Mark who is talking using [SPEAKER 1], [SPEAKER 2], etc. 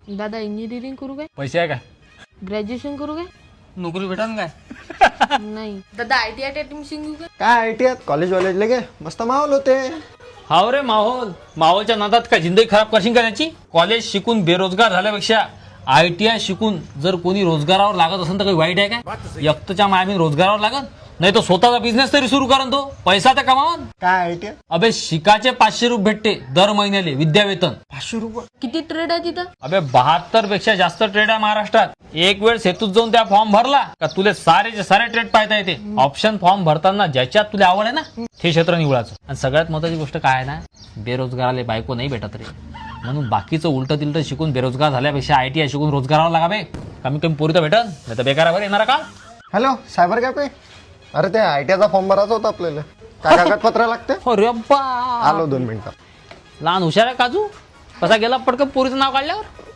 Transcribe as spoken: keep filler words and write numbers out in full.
[SPEAKER 1] दादा इंजिनिअरिंग करू काय?
[SPEAKER 2] पैसे आहे काय?
[SPEAKER 1] ग्रॅज्युएशन करू काय?
[SPEAKER 2] नोकरी भेटन काय?
[SPEAKER 1] नाही. दादा आय टी आय ऍडमिशन घेऊ काय?
[SPEAKER 3] काय आय टी आय कॉलेज वॉलेजले गे मस्त माहोल होते.
[SPEAKER 2] हाव रे माहोल. माहोलच्या नादात काय जिंदगी खराब करशील का त्याची? कॉलेज शिकून बेरोजगार झाल्यापेक्षा आय टी आय शिकून जर कोणी रोजगारावर लागत असेल तर काही वाईट आहे काय? एकटच्या मायामी रोजगारावर लागत नाही तो स्वतःचा बिझनेस तरी सुरू करन, तो पैसा तर कमावन.
[SPEAKER 3] काय आय टी आय
[SPEAKER 2] अबे शिकाचे पाचशे रुपये भेटते दर महिन्याले विद्यावेतन.
[SPEAKER 3] पाचशे रुपये
[SPEAKER 1] किती ट्रेड आहे तिथं?
[SPEAKER 2] अबे बहात्तर पेक्षा जास्त ट्रेड आहे महाराष्ट्रात. एक वेळ सेतूत जाऊन त्या फॉर्म भरला का तुले सारेचे सारे ट्रेड पाहता येते. ऑप्शन फॉर्म भरताना ज्याच्यात तुला आवड आहे ना ते क्षेत्र निवडायचं. आणि सगळ्यात महत्वाची गोष्ट काय आहे ना, बेरोजगाराला बायको नाही भेटत रे. म्हणून बाकीचं उलट तिलट शिकून बेरोजगार झाल्यापेक्षा आय टी आय शिकून रोजगारावर लागा बे. कमी कमी पोरी तर भेटन, नाही तर बेकारावर येणार का?
[SPEAKER 3] Hello cyber cafe. अरे ते आय टी आयचा फॉर्म भरायचा होता आपल्याला. काय कागदपत्र लागते?
[SPEAKER 2] हो रे बा.
[SPEAKER 3] आलो दोन मिनिटात.
[SPEAKER 2] लहान हुशार आहे काजू. कसा गेला पटकन पोरीचं नाव काढल्यावर.